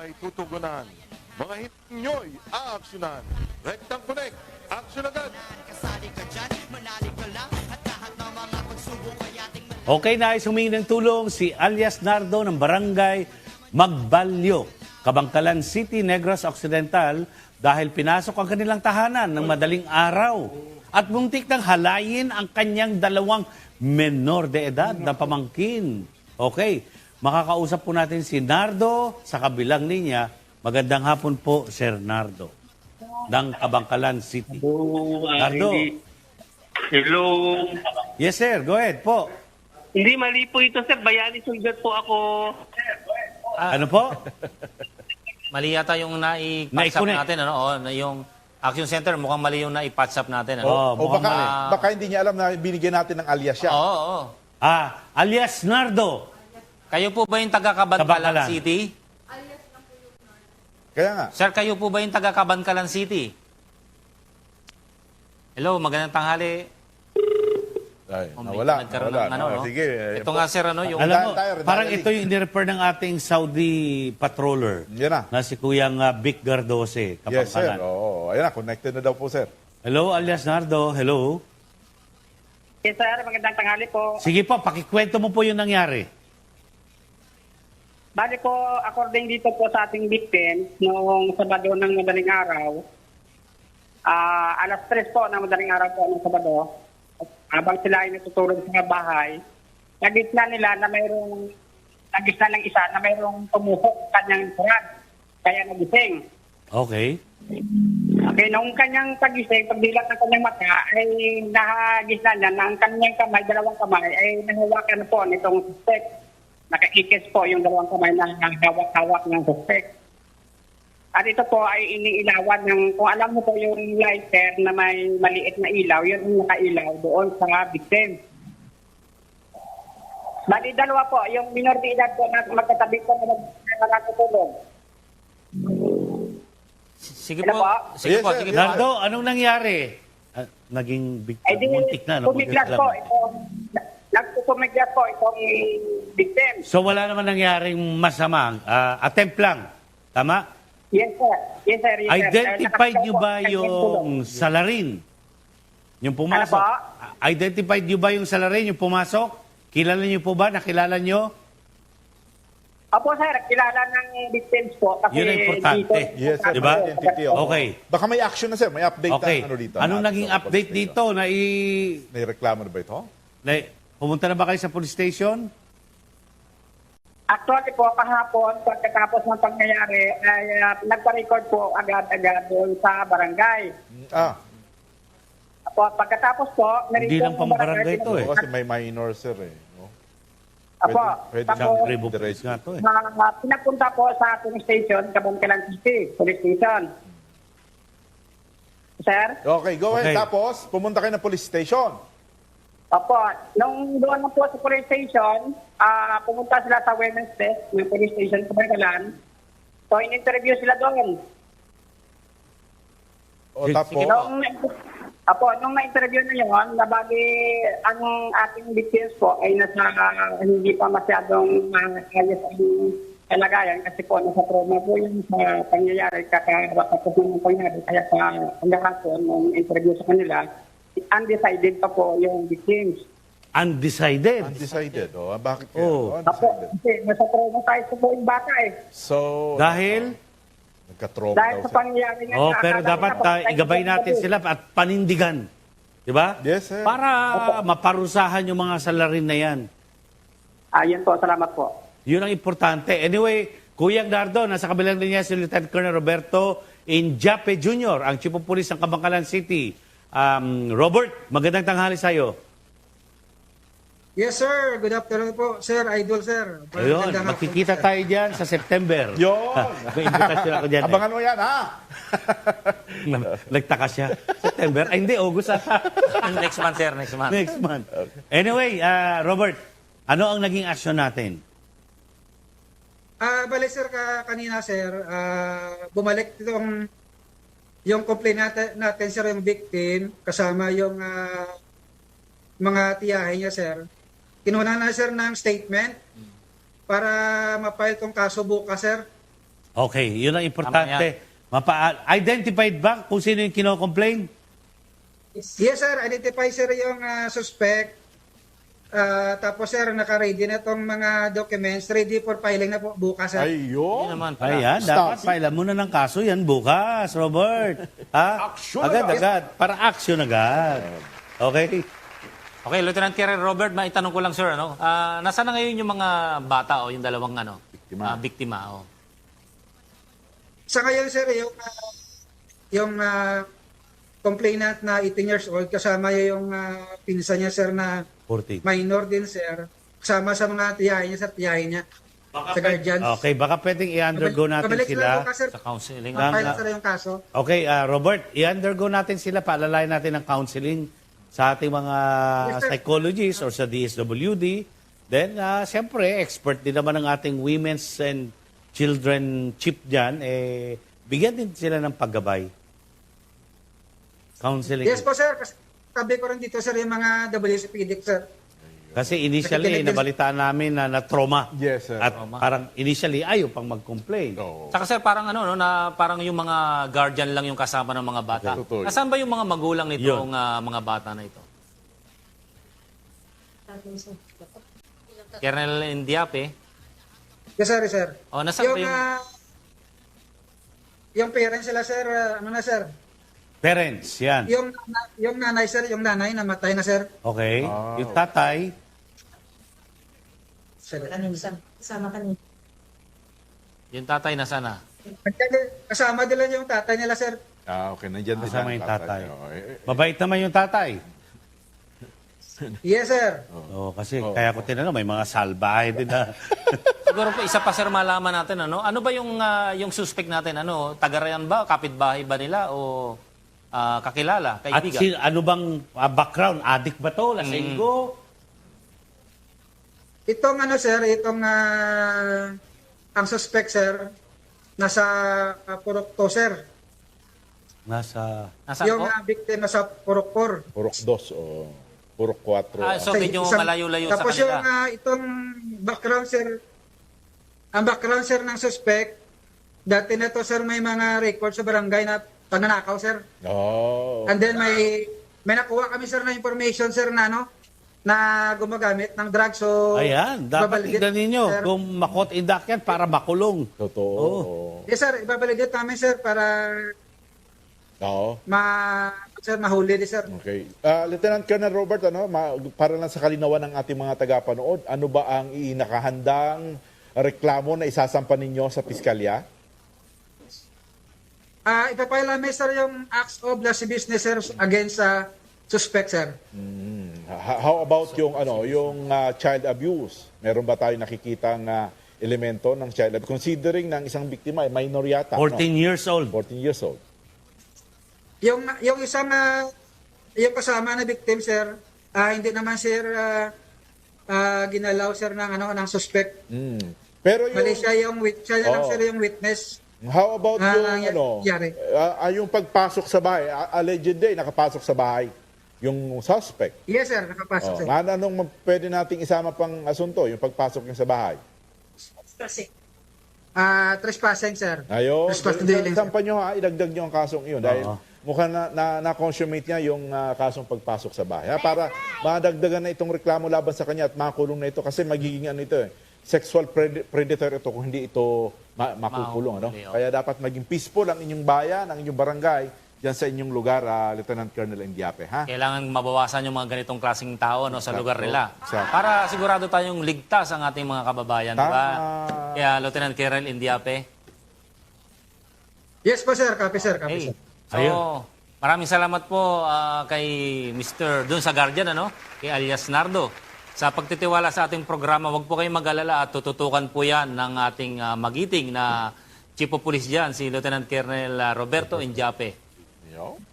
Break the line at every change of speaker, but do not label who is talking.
ay tutugunan. Mga hit nyo'y aaksyonan. Rectang Connect, aksyon agad!
Okay, nais humingi ng tulong si alias Nardo ng Barangay Magbalyo, Kabangkalan City, Negros Occidental dahil pinasok ang kanilang tahanan ng madaling araw at muntik nang halayin ang kanyang dalawang menor de edad na pamangkin. Okay, makakausap po natin si Nardo sa kabilang linya. Magandang hapon po, Sir Nardo, ng Kabangkalan City. Nardo.
Hello.
Yes, sir. Go ahead po.
Hindi, mali po ito, sir. Bayani Sulgat po ako.
Ano po?
Mali yata yung na-patch up
Na-connect.
natin, ano? O, yung Action Center, mukhang mali yung na-patch up natin, ano?
Oh,
O
mukhang
baka,
mali.
baka hindi niya alam na binigyan natin ng alias siya.
Oo, oo.
Alias Nardo.
Kayo po ba yung taga-Kabangkalan
Kabangkalan.
City?
Kaya nga.
Sir, kayo po ba yung taga-Kabangkalan City? Hello, magandang tanghali.
Ay,
Oh, may
nawala.
nagkaroon
Nawala.
ng ano, no?
Sige.
Ito nga, sir, ano, yung...
Alam mo,
tayo,
parang
tayo.
ito yung inirefer ng ating Saudi patroller
Yan na.
si Kuyang Vic Gardose,
Yes, sir.
Kabangkalan.
Oo. Ayan na, connected na daw po, sir.
Hello, alias Nardo. Hello.
Yes, sir. Magandang tanghali po.
Sige po, pakikwento mo po yung nangyari.
Bali po, according dito po sa ating victim, noong Sabado ng madaling araw, alas 3 po ng madaling araw po ng Sabado, habang sila ay natutulog sa bahay, nagitna nila na nagitna ng isa na mayroong tumuhok kanyang kurad, kaya nagising.
Okay.
Okay, nung kanyang pagising, pagdilat ng kanyang mata, ay nahagisna niya na ang kanyang kamay, dalawang kamay, ay nahawakan na po nitong suspect. Nakaikis po yung dalawang kamay na hawak-hawak ng suspect. At ito po ay iniilawan ng, kung alam mo po yung lighter na may maliit na ilaw, yun yung nakailaw doon sa victim. Bali, dalawa po, yung minor de edad po na magkatabi po na nakatutulog.
Sige
Hello
po.
po?
Sige
Yes,
po,
sir.
sige
Yes,
po.
Nardo, anong nangyari? Naging
Ay di,
muntik na.
pumiglas po ito. Nagpupumiglas po itong victim.
So wala naman nangyaring masama. Attempt lang. Tama?
Yes, sir. Yes, sir. Yes, sir.
Identified nyo ba
Nakasigaw po,
yung salarin? Yung pumasok?
Ano po?
Identified nyo ba yung salarin, yung pumasok? Kilala nyo po ba? Nakilala nyo?
Opo, sir. Kilala ng victims po. Kasi
Yun ang importante.
Yes, sir.
Diba?
Identity, oo.
Okay.
Baka may action na, sir. May update
Okay.
na ano dito.
Anong
natin
naging
sa
update
police
dito?
May reklamo na ba ito?
Pumunta na ba kayo sa police station?
Actually po, kahapon, pagkatapos ng pangyayari, ay nagpa-record po agad-agad doon sa barangay. Apo, pagkatapos po,
Hindi lang pang barangay to eh.
Oo, kasi may minor, sir. No?
Apo,
Pwede
tapos,
Isang tribo police nga to eh.
pinapunta po sa police station, Kabangkalan City, police station. Sir?
Okay, go ahead.
Okay.
Tapos, pumunta kayo ng police station.
Opo, nung doon na po sa police station, pumunta sila sa women's desk ng police station sa Bangkalan. So, in-interview sila doon.
O
Sige,
tapos,
Nung na-interview na yun, nabagi ang ating victims po ay nasa hindi pa masyadong ayos ang kalagayan kasi po nasa trauma po yung sa pangyayari kakapapos ng pangyayari. Kaya sa hanggang nung interview sa kanila, undecided pa po yung victims.
Undecided.
undecided. O, bakit kaya?
Oh.
Apo,
Undecided.
kasi nasa trauma tayo po po yung bata eh.
So,
Dahil?
nagka-trauma
Dahil
daw,
sa
sir.
pangyayari nga.
Oh,
na
pero
akala
dapat
nila po,
igabay natin sila at panindigan. Di ba?
Yes, sir.
Para maparusahan yung mga salarin na yan.
Yun po, salamat po.
Yun ang importante. Anyway, Kuya Nardo, nasa kabilang linya si Lieutenant Colonel Roberto Injape Jr., ang Chief of Police ng Kabangkalan City. Robert, magandang tanghali sa'yo.
Yes, sir. Good afternoon po, sir. Idol, sir.
Ayun,
Magandang hapon,
magkikita
sir.
tayo dyan sa September.
Yun.
May invitation ako dyan.
Abangan mo yan, ha?
Nagtaka siya. September? Ay, hindi. August ata.
Next month, sir. Next month.
Next month. Anyway, Robert, ano ang naging action natin?
Bale, sir, kanina, sir, bumalik yung complaint natin, sir, yung victim, kasama yung mga tiyahin niya, sir. Kinuha na, sir, ng statement para ma-file tong kaso bukas, sir.
Okay, yun ang importante. Identified ba kung sino yung kino-complain?
Yes, sir. Identify, sir, yung suspect. Tapos, sir, naka-ready na itong mga documents. Ready for filing na po bukas, sir.
Hindi
Ayun.
naman pala.
Ayan, dapat
Stop.
file mo na ng kaso yan bukas, Robert. Ha?
Action
Agad-agad. Para action agad. Okay?
Okay, Lieutenant Colonel Robert, maitanong ko lang, sir, ano? Nasaan na ngayon yung mga bata o yung dalawang
Biktima.
biktima? Oh.
Sa ngayon, sir, yung complainant na 18 years old, kasama yung pinsan niya, sir, na
14.
minor din, sir. Kasama sa mga tiyahin niya, sir, tiyahin niya. Sa guardians.
Okay, baka pwedeng i-undergo natin
Pabalik lang
sila.
bukas, sir.
Sa counseling.
File na, sir, yung kaso.
Okay, Robert, i-undergo natin sila, paalalayan natin ng counseling sa ating mga
Yes, sir.
psychologists or sa DSWD. Then, siyempre, expert din naman ng ating women's and children chief dyan, bigyan din sila ng paggabay. Counseling.
Yes po, sir. Kasi sabi ko rin dito, sir, yung mga WCPD, sir.
Kasi initially,
Nakikinig din-
nabalitaan namin na trauma.
Yes, sir.
At parang initially, ayaw pang mag-complain.
Oo.
Saka sir, parang na parang yung mga guardian lang yung kasama ng mga bata.
Okay. Totoo.
Nasaan ba yung mga magulang nitong mga bata na ito? Colonel Indiape.
Yes, sir, sir.
O, nasaan ba yung...
Yung parents sila, sir, ano na, sir?
Parents, yan.
Yung nanay, sir, yung nanay, namatay na, sir.
Okay.
Wow.
Yung tatay,
Sir.
Kasama kanina.
Yung tatay na sana.
Kasama din lang yung tatay nila, sir.
Okay. Nandiyan din
kasama
ang
yung tatay.
Oo,
mabait naman yung tatay.
Yes, sir.
Kasi kaya ko tinanong, may mga salbahe din na.
Siguro po, isa pa sir malaman natin, ano ba yung suspect natin? Tagarayan ba? Kapitbahay ba nila? O kakilala?
At
Kaibigan?
ano bang background? Addict ba to? Lasenggo?
Itong ano, sir, ang suspect, sir, nasa Purok 2, sir.
Nasa...
Nasaan
Yung
po?
victim nasa Purok 4.
Purok 2 o Purok 4.
So medyo malayo-layo sa
Tapos yung
kanila.
itong background, sir, ang background, sir, ng suspect, dati na to, sir, may mga record sa barangay na pagnanakaw, sir.
Oh.
And then may nakuha kami, sir, na information, sir, na na gumagamit ng drugs. So,
Ayan, dapat
ibabalidate,
tignan ninyo
sir.
kung makot-indak yan para makulong.
Totoo.
Yes, sir, ibabalidate namin, sir, para
Oo.
sir, mahuli din, sir.
Okay. Lieutenant Colonel Robert, para lang sa kalinawan ng ating mga tagapanood, ano ba ang inakahandang reklamo na isasampa ninyo sa piskalya?
Ipapile namin, sir, yung acts of the businesses against suspect, sir.
How about yung child abuse? Meron ba tayo nakikitang elemento ng child abuse? Considering ng isang biktima ay minor yata.
14 years old.
14 years old.
Yung isang yung kasama na victim, sir, hindi naman, sir, ginalaw, sir, ng suspect.
Pero yung,
Mali siya siya lang,
Oo.
sir, yung witness.
how about yung
nangyari.
yung pagpasok sa bahay? Alleged day, nakapasok sa bahay yung suspect.
Yes, sir, nakapasok, sir.
Anong pwede nating isama pang asunto, yung pagpasok niya sa bahay?
Trespassing, sir.
Ayun.
Trespass dwelling, sir.
Sampa nyo idagdag nyo ang kasong iyon dahil mukhang na-consummate niya yung kasong pagpasok sa bahay. Para madagdagan na itong reklamo laban sa kanya at makulong na ito kasi magiging sexual predator ito kung hindi ito makukulong.
Mahuli,
Kaya dapat maging peaceful ang inyong bayan, ang inyong barangay, dyan sa inyong lugar, Lieutenant Colonel Indiape. Ha?
Kailangan mabawasan yung mga ganitong klaseng tao sa lugar nila.
Exacto.
Para sigurado tayong ligtas ang ating mga kababayan.
Tama.
Diba? Kaya Lieutenant Colonel Indiape.
Yes po, sir. Copy, sir. Copy,
Hey.
sir.
So, maraming salamat po kay Mr. dun sa Guardian, kay alias Nardo. Sa pagtitiwala sa ating programa, huwag po kayong mag-alala at tututukan po yan ng ating magiting na Chief of Police dyan, si Lieutenant Colonel Roberto Indiape.
Yo.